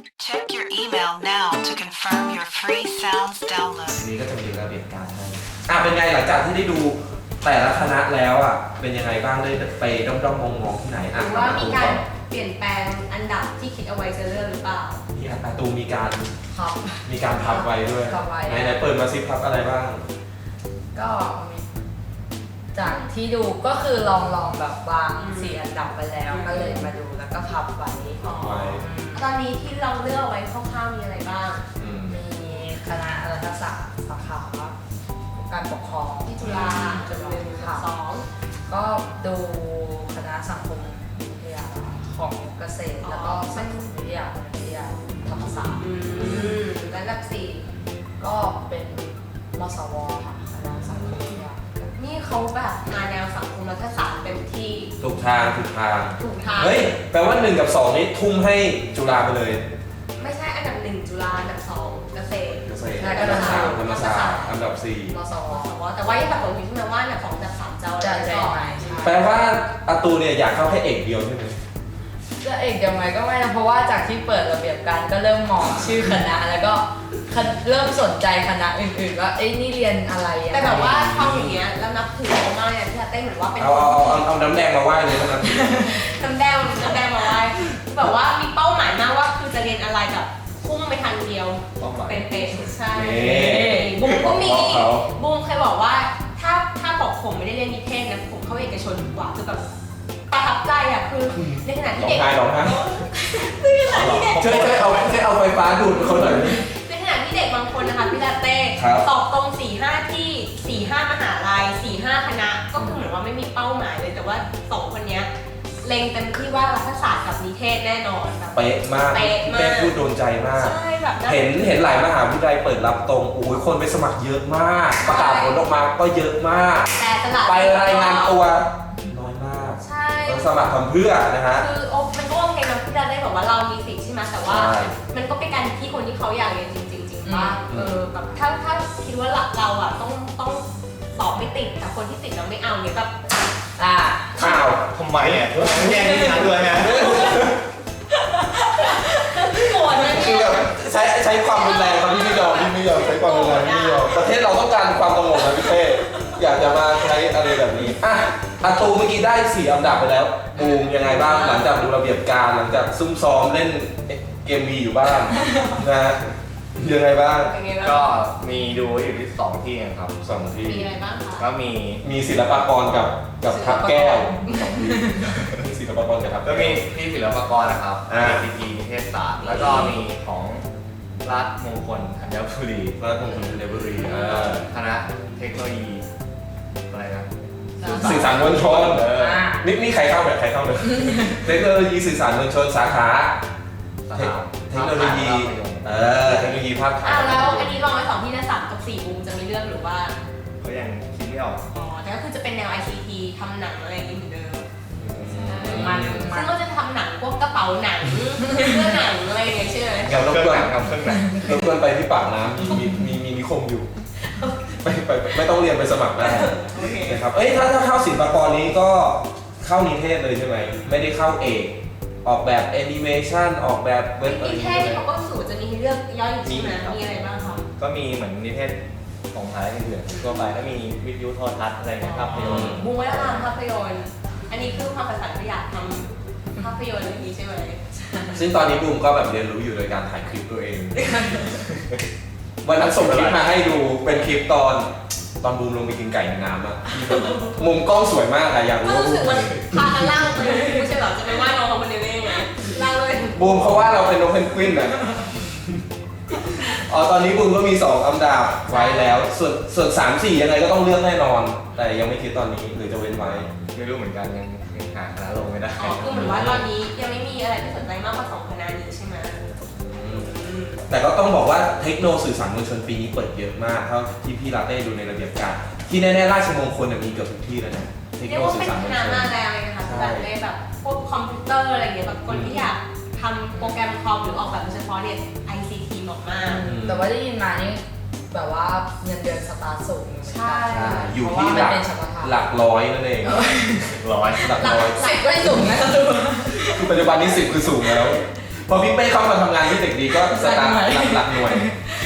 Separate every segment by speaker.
Speaker 1: Check your email now to confirm your free sounds download.
Speaker 2: ทีนี้ก็จะมีระเบียบการให้เป็นไงหลังจากที่ได้ดูแต่ละคณะแล้วเป็นยังไงบ้างได้ไปด้อมๆมองๆที่ไหน
Speaker 3: หรือว่ามีการเปลี่ยนแปลงอันดับที่คิดเอาไว้จะเลือกหรือเปล่า
Speaker 2: ที่อัตตูมีการ
Speaker 3: พับ
Speaker 2: พับไว้ด้วยไหนเปิดมาซิพับอะไรบ้าง
Speaker 4: ก็จากที่ดูก็คือลองแบบวาง4อันดับไปแล้วก็เลยมาดูแล้วก็พับไว้
Speaker 3: ตอนนี้ที่เราเลือกไว้คร่าวๆมีอะไรบ้าง
Speaker 4: มีคณะรัฐศาสตร์สาขาการปกครอง
Speaker 3: ที่จุฬาจุฬา
Speaker 4: 2ก็ดูคณะสังคมวิทยาของเกษตรแล้วก็สังคมวิทยาธรรมศาสตร์
Speaker 3: และอันดับ4
Speaker 4: ก็เป็นมสวค่ะคณะสังคมวิทยา
Speaker 3: นี่เขาแบบมาแนวสังคมรัฐศาสตร์เต็มที่
Speaker 2: ถูกทางเฮ้ยแปลว่า1 กับ 2นี้ทุ่มให้จุฬาไปเลย
Speaker 3: ไม่ใช่อันดับ1จุฬาอันดับ2เกษตร
Speaker 2: อันดับ3ธรรมศาสตร์อันดับ4
Speaker 3: มสวแต่ว่ายังแบบผมอยู่ที่มาว่าอันดับ2อันดับ3จะอะไรก่อน
Speaker 2: แปลว่าอาตูเนี่ยอยากเข้าแค่เอกเดียวใช่ไหม
Speaker 4: จะเอกยังไงก็ไม่นะเพราะว่าจากที่เปิดระเบียบการก็เริ่มมองชื่อคณะแล้วก็เริ่มสนใจคณะอื่นๆว่านี่เรียนอะไร
Speaker 3: แต่แบบว่าทำอย่างเงี้ยแล้วนับถือเขามากเนี่ยที่จะเต้นเหมือนว่าเป็น
Speaker 2: เอาน้ำแดงมาไหว้เลยนะ
Speaker 3: น้ำแดงมาไหว้แบบว่ามีเป้าหมายมากว่าคือจะเรียนอะไรแบบพุ่งไปทางเดียวเป็นใช่บุ้มก็มีบุ้มเคยบอกว่าถ้าบอกผมไม่ได้เรียนนิเทศนะผมเข้าเอกชนดีกว่าคือแบบประทับใจคือในขณะที่เด็ก
Speaker 2: ร้องไห้ช่วยเอาไฟฟ้าดูดเขาหน่อย
Speaker 3: ในขณะที่เด็กบางคนนะคะพี่ลาเต้สอบตรง 4-5 ที่ 4-5 มหาลัย 4-5 คณะก็คือเหมือนว่าไม่มีเป้าหมายเลยแต่ว่า2คนนี้เล็งเต็มที่ว่ารัฐศาสตร์กับนิเทศแน่นอน
Speaker 2: เป๊ะมากเป๊ะพูดโดนใจมากเห็นหลายมหาวิทยาลัยเปิดรับตรงคนไปสมัครเยอะมากประกาศผลออกมาก็เยอะมากไปรายงานตัวน้อยมากต้องสมัครทำเพื่อนะฮะ
Speaker 3: คือมันก็โอเคนะที่จะได้บอกว่าเรามีสิทธิ์ใช่ไหมแต่ว่ามันก็เป็นการที่คนที่เขาอยากเรียนจริงๆว่าแบบถ้าคิดว่าเราต้องสอบไม่ติดแต่คนที่ติดเราไม่เอาเนี่ยแบบ
Speaker 2: อ้าว
Speaker 5: ทำไมแย่งที่ทางด้วยไง
Speaker 3: โกรธเลย
Speaker 2: คือแบบใช้ความรุนแรงครับพี่ไม่ยอมใช้ความรุนแรงไม่ยอมประเทศเราต้องการความสงบนะพี่เต้อยากจะมาใช้อะไรแบบนี้อาตูเมื่อกี้ได้4 อันดับไปแล้วบูมยังไงบ้างหลังจากดูระเบียบการหลังจากซุ่มซ้อมเล่นเกมวีอยู่บ้างนะยังไงบ้าง
Speaker 5: ก็มีดูอยู่ที่2 ที่ครับ
Speaker 3: 2 ที่มีอะไรบ้างคะ
Speaker 5: ก็
Speaker 2: มีศิลปากรกับทับแก้วศิลปากรกับทับ
Speaker 5: ก็มีที่ศิลปากรนะครับCT นิเทศศาสตร์แล้วก็มีของรัฐมงคลธัญบุรีคณะเทคโนโลยีอะไรนะ
Speaker 2: สื่อสารมวลชนนี่ใครเข้าเลยเทคโนโลยีสื่อสารมวลชนสาขาเทคโนโลยีภาพถ่าย
Speaker 3: แล้วอันนี้ลองไว้2 ที่นะ3 กับ 4บูมจะมีเรื่องหรือว่า
Speaker 5: ก็ยังคิดไม่ออก
Speaker 3: แต่ก็คือจะเป็นแนว ICT ทำหนังอะไรอย่างนี้เหมือนเดิมซึ่งก็จะทำหนังพวกกระเป๋าหนังเสื้อหนังอะไรอย่างเงี้ยใช่ไหม
Speaker 2: อย่างรบกวนไปที่ปากน้ำมีนิคมอยู่ไม่ต้องเรียนไปสมัครได้นะครับถ้าเข้าศิลปากรนี้ก็เข้านิเทศเลยใช่ไหมไม่ได้เข้าเอกออกแบบแอนิเมชันออกแบบเว็บ
Speaker 3: นิเทศเขาก็สูตรจะมีให้เลือกย่อยใช่ไหมมีอะไรบ้างครับ
Speaker 5: ก็มีเหมือนนิเทศของไทยอื่นๆทั่วไปก็มีวิทยุโทรทัศน์อะไรเงี้ยภาพยนตร์
Speaker 3: บูมว่าทำภาพยนตร์อันนี้คือความฝันที่อยากทำภาพยนตร์อย่างนี้ใช่ไหม
Speaker 2: ซึ่งตอนนี้บูมก็แบบเรียนรู้อยู่โดยการถ่ายคลิปตัวเองวันนั้นส่งคลิปมาให้ดูเป็นคลิปตอนบูมลงไปกินไก่ในน้ำอะมุมกล้องสวยมากอะอยากรู้
Speaker 3: รู้สึกมันพากันล่างไปไม่ใช่หรอจะไปว่าน้องเขาคนเดียวได้ยังไงล่างเลย
Speaker 2: บูมเขาว่าเราเป็นนกเพนกวินอะตอนนี้บูมก็มี2 อันดับไว้แล้วส่วน3-4ยังไงก็ต้องเลือกแน่นอนแต่ยังไม่คิดตอนนี้หรือจะเว้นไว้
Speaker 5: ไม่รู้เหมือนกันยังหาคณะลงไม่ได้
Speaker 3: คือเหมือนว่าตอนนี้ยังไม่มีอะไรที่สนใจมากกว่า2 คณะนี้ใช่ไหม
Speaker 2: แต่ก็ต้องบอกว่าเทคโนสื่อสารมวลชนปีนี้เปิดเยอะมากเท่าที่พี่ลาเต้ดูในระเบียบการที่แน่ๆราชมงคลมีเกือบทุกที่แล้วนะ
Speaker 3: เทคโนสื่อสารมวลชนมาแรงเลยนะคะแบบเลยแบบพวกคอมพิวเตอร์อะไรอย่างเงี้ยแบบคนที่อยากทำโปรแกรมคอมหรือออกแบบโดยเฉพาะเนี่ย ICT เหมาะมาก
Speaker 4: แต่ว่าได้ยินมานี่แบบว่าเงินเดือนสตาร์ทสูง
Speaker 3: ใช่
Speaker 2: อยู่ที่หลักร้อยนั่นเอง
Speaker 5: หลักร้อย
Speaker 4: 10 ไม่สูงนะ
Speaker 2: คือปัจจุบันนี้10คือสูงแล้วพอพี่เป้เข้ามาทำงานที่เด็กดีก็สตาร์ทหลักหน่วย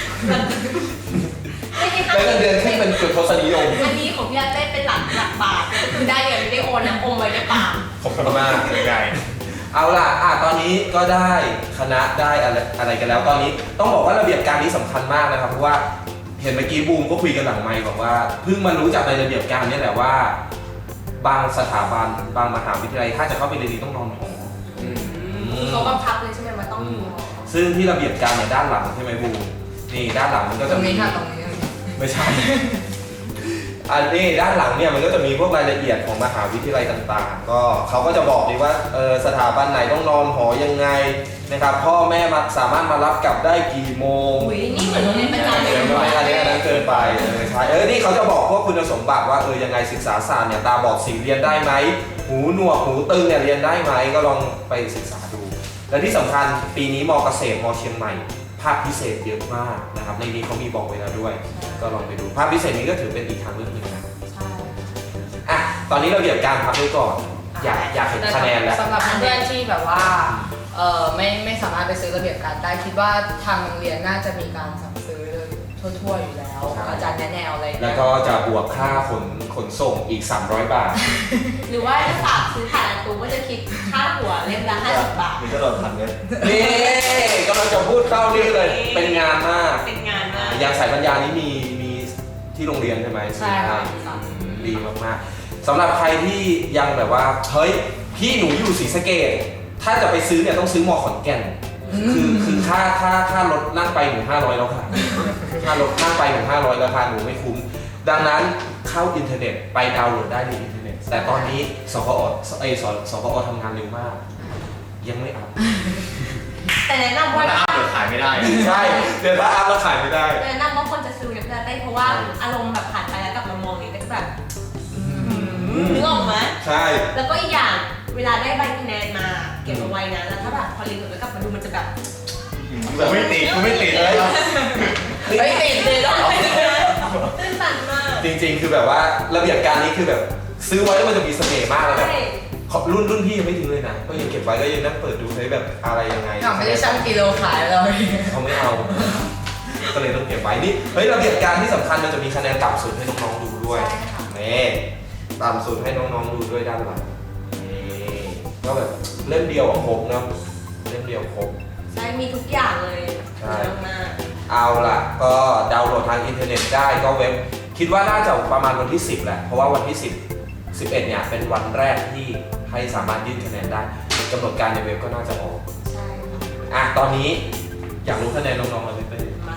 Speaker 3: ไม่ใช่
Speaker 2: ได้เงินเดือนที่เป็นจุดทศนิยม
Speaker 3: อันนี้ของพี่อาเต้เป็นหลักบาทก็คือได้เงินไม่ได้โอนนะอมไว้ในปาก
Speaker 2: ขอบคุณมาก
Speaker 5: ใหญ่
Speaker 2: เอาล่ะตอนนี้ก็ได้คณะได้อะไรกันแล้ว ตอนนี้ต้องบอกว่าระเบียบการนี้สำคัญมากนะครับ เพราะว่าเห็นเมื่อกี้บูมก็คุยกันหลังไมค์บอกว่าเพิ่งมารู้จากในระเบียบการนี่แหละว่า บางสถาบันบางมหาวิทยาลัยถ้าจะเข้าไปเรียนดีต้องนอนหอ
Speaker 3: เขาบังคับเลยใช่ไหมว่าต้องดู
Speaker 2: ซึ่งที่ระเบียบการเนี่ยด้านหลังใช่ไหมบูมนี่ด้านหลังมันก็
Speaker 4: ตร
Speaker 2: จะ
Speaker 4: ง
Speaker 2: มี
Speaker 4: นี้ค่ะตรงนี้
Speaker 2: ไม่ใช่ อันนี้ด้านหลังเนี่ยมันก็จะมีพวกรายละเอียดของมหาวิทยาลัยต่างๆ ก็เขาก็จะบอกดีว่าสถาบันไหนต้องนอนหอยังไงนะครับพ่อแม่มาสามารถมารับกลับได้กี่โมง
Speaker 3: อุ้ยนี่เหมือนโรงเรียนประจำเลย
Speaker 2: อันนั้นเกินไปใช่นี่เขาจะบอกพวกคุณสมบัติว่ายังไงศึกษาศาสตร์เนี่ยตาบอดสีเรียนได้ไหมหูหนวกหูตึงเนี่ยเรียนได้ไหมก็ลองไปศึกษาดู และที่สำคัญปีนี้มเกษตรมเชียงใหม่ภาคพิเศษเยอะมากนะครับในนี้เขามีบอกไว้แล้วด้วย ก็ลองไปดูภาคพิเศษนี้ก็ถือเป็นอีกทางเลือกหนึ่งนะ
Speaker 3: ใช่
Speaker 2: อ่ะตอนนี้เราเรียบการพักไว้ก่อนอยากเห็นคะแนนแล้ว
Speaker 4: สำหรับเพื่อนๆที่แบบว่าไม่สามารถไปซื้อระเบียบการได้คิดว่าทางโรงเรียนน่าจะมีการสั่งซื้อทั่วๆอยู่แล้ว
Speaker 2: ครับ
Speaker 4: อาจารย์แนะแนวอะไร
Speaker 2: แล้วก็จะบวกค่าขนส่งอีก 300 บาท
Speaker 3: หรือว่าถ้าฝากซื้อผ่านตู้ก็จะคิดค่าหัวเล่มละ50 บาท
Speaker 5: มีกระโดดพันเมตร
Speaker 2: นี่กำลังจะพูดเข้านี่เลย เป็นงานมาก
Speaker 3: เป็นงานมาก
Speaker 2: อย่างสายปัญญานี้มีที่โรงเรียนใช่ไหม
Speaker 4: ใช่ค่ะ
Speaker 2: ดีมากๆสำหรับใครที่ยังแบบว่าเฮ้ยพี่หนูอยู่ศรีสะเกษถ้าจะไปซื้อเนี่ยต้องซื้อมอขอนแก่นคือค่ารถนั่งไปหนู500แล้วค่ะค่ารถนั่งไปหนู500ราคาหนูไม่คุ้มดังนั้นเข้าอินเทอร์เน็ตไปดาวน์โหลดได้ในอินเทอร์เน็ตแต่ตอนนี้สพอทำงานเร็วมาก ยังไม่อัพ
Speaker 3: แต่แนะนำว่า
Speaker 5: ถ้าอัพเดี๋ยวขายไม่ได้
Speaker 2: ใช่เดี๋ยวถ้าอัพแล้วขายไม่ได้
Speaker 3: แนะนำว่าคนจะซื้อเนี่ยจะได้เพราะว่าอารมณ์แบบผ่านไปแล้วกลับมามองนี่ก็จะแบบนึกออกไหม
Speaker 2: ใช่
Speaker 3: แล้วก็อีกอย่างเวลาได้ใบคะแนนมาเก็บเอาไว้นะแล้วถ้าแบบพอเรียนจบแล้วกลับมาดูมันจะแบบ
Speaker 5: กูไม่ติดเลย
Speaker 4: ไม่ติดเลยหรอ
Speaker 3: ตื้นตันมาก
Speaker 2: จริงๆ คือแบบว่าระเบียบการนี้คือแบบซื้อไว้แล้วมันจะมีเสน่ห์มากเลยแบบ
Speaker 3: ใช่
Speaker 2: รุ่นพี่ยังไม่ทิ้งเลยนะก็ยังเก็บไว้ก็ยังนั่งเปิดดูใช้แบบอะไรยังไง
Speaker 4: ไม่ได้ชั่งกิโลขายเรา
Speaker 2: เขาไม่เอา ก็เลยต้องเก็บไว้นี่เฮ้ยระเบียบการที่สำคัญมันจะมีคะแนนต่ำสุดให้น้องๆดูด้วย
Speaker 3: ใช่ค่ะ
Speaker 2: นี่ต่ำสุดให้น้องๆดูด้วยด้านหลังนี่ก็แบบเล่มเดียวครบเนาะเล่มเดียวครบ
Speaker 3: ใช่มีทุกอย่างเลย
Speaker 2: ใช่
Speaker 3: เยอะมาก
Speaker 2: เอาล่ะก็ดาวน์โหลดทางอินเทอร์เน็ตได้ก็เว็บคิดว่าน่าจะประมาณวันที่ 10แหละเพราะว่าวันที่ 10 11เนี่ยเป็นวันแรกที่ให้สามารถยื่นคะแนนได้กำหนดการในเว็บก็น่าจะออก
Speaker 3: ใช่ค่ะ
Speaker 2: อ่ะตอนนี้อยากรู้คะแนนน้องๆเราไหมเป้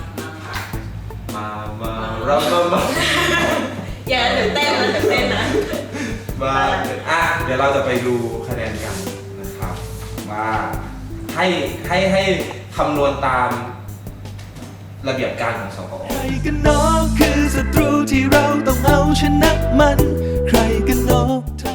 Speaker 3: มา
Speaker 2: มา
Speaker 3: อย่าตื่นเต้นนะตื่นเต้นนะ
Speaker 2: อ่ะเดี๋ยวเราจะไปดูคะแนนกันนะครับว่าให้คำนวณตามระเบียบการของสกอ
Speaker 6: ใครกันเนาะคือศัตรูที่เราต้องเอาชนะมัน ใครกันเนาะ